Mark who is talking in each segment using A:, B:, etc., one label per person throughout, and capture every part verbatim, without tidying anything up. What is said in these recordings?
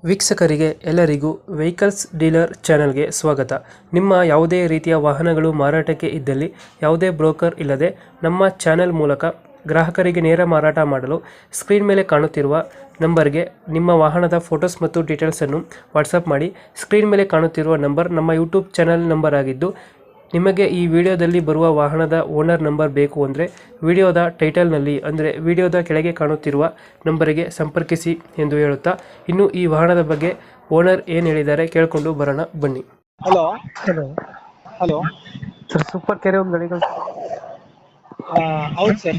A: ವೀಕ್ಷಕರಿಗೆ ಎಲ್ಲರಿಗೂ vehicles dealer ಚಾನೆಲ್ಗೆ ಸ್ವಾಗತ. ನಿಮ್ಮ ಯಾವುದೇ ರೀತಿಯ ವಾಹನಗಳು ಮಾರಾಟಕ್ಕೆ ಇದ್ದಲ್ಲಿ ಯಾವುದೇ ಬ್ರೋಕರ್ ಇಲ್ಲದೆ ನಮ್ಮ ಚಾನೆಲ್ ಮೂಲಕ ಗ್ರಾಹಕರಿಗೆ ನೇರ ಮಾರಾಟ ಮಾಡಲು ಸ್ಕ್ರೀನ್ ಮೇಲೆ ಕಾಣುತ್ತಿರುವ ನಂಬರ್ಗೆ ನಿಮ್ಮ ವಾಹನದ ಫೋಟೋಸ್ ಮತ್ತು ಡೀಟೇಲ್ಸನ್ನು ವಾಟ್ಸಪ್ ಮಾಡಿ. ಸ್ಕ್ರೀನ್ ಮೇಲೆ ಕಾಣುತ್ತಿರುವ ನಂಬರ್ ನಮ್ಮ ಯೂಟ್ಯೂಬ್ ಚಾನೆಲ್ ನಂಬರ್ ಆಗಿದ್ದು, ನಿಮಗೆ ಈ ವಿಡಿಯೋದಲ್ಲಿ ಬರುವ ವಾಹನದ ಓನರ್ ನಂಬರ್ ಬೇಕು ಅಂದರೆ ವಿಡಿಯೋದ ಟೈಟಲ್ನಲ್ಲಿ ಅಂದರೆ ವಿಡಿಯೋದ ಕೆಳಗೆ ಕಾಣುತ್ತಿರುವ ನಂಬರಿಗೆ ಸಂಪರ್ಕಿಸಿ ಎಂದು ಹೇಳುತ್ತಾ, ಇನ್ನು ಈ ವಾಹನದ ಬಗ್ಗೆ ಓನರ್ ಏನು ಹೇಳಿದ್ದಾರೆ ಕೇಳಿಕೊಂಡು ಬರೋಣ ಬನ್ನಿ.
B: Hello
A: hello
B: hello
A: sir, super ಕೆರೆ ಒಂದು ಗಾಡಿ ಕಳ್ಸಿ.
B: ಹೌದು ಸರ್.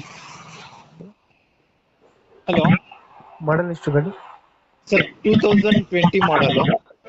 B: ಹಲೋ
A: ಮಾಡಲ್ ಎಷ್ಟು ಗಾಡಿ?
B: Sir, two thousand twenty model.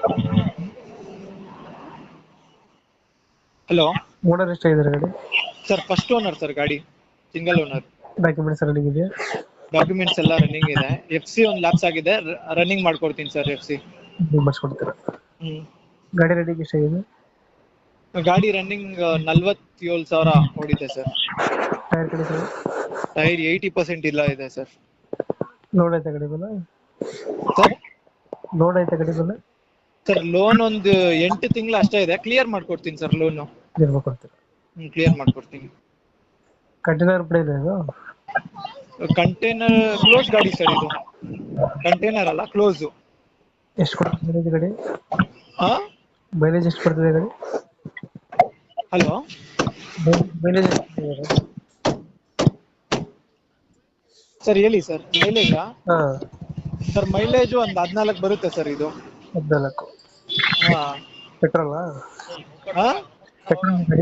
B: Hello
A: owner ಎಷ್ಟಾಗಿದ್ದಾರೆ ಗಾಡಿ?
B: ಸರ್, ಫಸ್ಟ್ ಓನರ್ ಸರ್, ಗಾಡಿ ಸಿಂಗಲ್ ಓನರ್.
A: ಡಾಕ್ಯುಮೆಂಟ್ಸ್ ರನ್ನಿಂಗ್ ಇದೆಯಾ?
B: ಡಾಕ್ಯುಮೆಂಟ್ಸ್ ಎಲ್ಲ ರನ್ನಿಂಗ್ ಇದೆ. ಎಫ್ ಸಿ ಒಂದು ಲ್ಯಾಪ್ಸ್ ಆಗಿದೆ, ರನ್ನಿಂಗ್ ಮಾಡ್ಕೊಡ್ತೀನಿ ಸರ್ ಎಫ್ ಸಿ.
A: ಮಾಡಿಸ್ಕೊಡ್ತೀರಾ?
B: ಹ್ಮ್
A: ಗಾಡಿ ರೆಡಿಗೆ ಎಷ್ಟಾಗಿದೆ?
B: ಗಾಡಿ ರನ್ನಿಂಗ್ ನಲ್ವತ್ತೇಳು ಸಾವಿರ ಓಡಿದೆ ಸರ್.
A: ಟೈರ್ ಕಡೆ ಸರ್?
B: ಟೈರ್ ಏಯ್ಟಿ ಪರ್ಸೆಂಟ್ ಇಲ್ಲ ಇದೆ ಸರ್.
A: ಲೋಡ್ ಆಯ್ತಾ ಗಾಡಿ ಮೇಲೆ?
B: ಸರ್
A: ಲೋಡ್ ಆಯ್ತಾ ಗಾಡಿ ಮೇಲೆ?
B: ಸರ್ ಲೋನ್ ಒಂದು ಎಂಟು ತಿಂಗಳು ಅಷ್ಟೇ ಇದೆ, ಕ್ಲಿಯರ್ ಮಾಡ್ಕೊಡ್ತೀನಿ ಸರ್ ಲೋನು.
A: ನಿರ್ಮ ಕೊಡ್ತೀರಾ?
B: ಹ್ಮ್ ಕ್ಲಿಯರ್ ಮಾಡ್ಕೊಡ್ತೀನಿ.
A: ಕಂಟೈನರ್ ಬಿಡ ಇದೆ ಇದು?
B: ಕಂಟೈನರ್ ಕ್ಲೋಸ್ ಗಾಡಿ ಸರ್, ಇದು ಕಂಟೈನರ್ ಅಲ್ಲ, ಕ್ಲೋಸ್.
A: ಎಷ್ಟು ಕೊಡ್ತದೆ ಗಾಡಿ?
B: ಹಾ
A: ಮೈಲೇಜ್ ಎಷ್ಟು ಕೊಡ್ತದೆ ಗಾಡಿ?
B: ಹಲೋ
A: ಮೈಲೇಜ್
B: ಸರ್ ಹೇಳಿ ಸರ್. ಮೈಲೇಜಾ?
A: ಹಾ
B: ಸರ್ ಮೈಲೇಜ್ ಒಂದು ಹದಿನಾಲ್ಕು ಬರುತ್ತೆ ಸರ್ ಇದು.
A: ಹದಿನಾಲ್ಕು?
B: ಹಾ
A: ಪೆಟ್ರೋಲಾ?
B: ಹಾ
A: ಪೆಟ್ರೋಲ್ ಗಾಡಿ?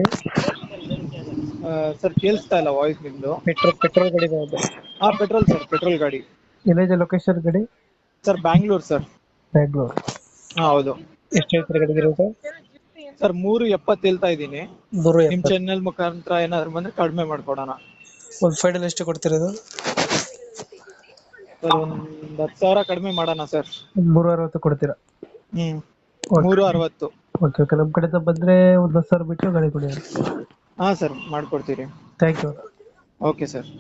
B: ಸರ್ ಕೇಳಿಸ್ತಾ ಇಲ್ಲ ವಾಯ್ಸ್ ನಿಮ್ದು.
A: ಪೆಟ್ರೋಲ್ ಪೆಟ್ರೋಲ್ ಗಾಡಿ ಬರುತ್ತೆ?
B: ಹಾ ಪೆಟ್ರೋಲ್ ಸರ್, ಪೆಟ್ರೋಲ್ ಗಾಡಿ.
A: ಎಲ್ಲಿದೆ ಲೊಕೇಶನ್ ಗಾಡಿ?
B: Sir Bangalore sir.
A: ಬ್ಯಾಂಗ್ಳೂರ್?
B: ಹಾ ಹೌದು.
A: ಎಷ್ಟು ಹೇಳ್ತಾರೆ ಗಾಡಿಗೆ ಇರೋದು?
B: ಸರ್ ಮೂರು ಎಪ್ಪತ್ತು ಹೇಳ್ತಾ ಇದ್ದೀನಿ.
A: ಮೂರು
B: ನಿಮ್ ಚಾನೆಲ್ ಮುಖಾಂತರ ಏನಾದ್ರು ಬಂದ್ರೆ ಕಡಿಮೆ ಮಾಡ್ಕೊಡೋಣ.
A: ಒಂದು ಫೈನಲ್ ಎಷ್ಟು ಕೊಡ್ತಿರೋದು?
B: ಸರ್ ಒಂದ್ ಹತ್ತು ಸಾವಿರ ಕಡಿಮೆ ಮಾಡೋಣ ಸರ್.
A: ಒಂದು ಮೂರು ಅರವತ್ತು ಕೊಡ್ತೀರಾ?
B: ಹ್ಮ್ ಮೂರು ಅರವತ್ತು.
A: ಓಕೆ ಓಕೆ, ನಮ್ಮ ಕಡೆಯಿಂದ ಬಂದರೆ ಒಂದು ಹತ್ತು ಸಾವಿರ ಬಿಟ್ಟು ಗಾಡಿ ಕೊಡಿ.
B: ಹಾ ಸರ್ ಮಾಡ್ಕೊಡ್ತೀರಿ.
A: Thank you.
B: Okay sir.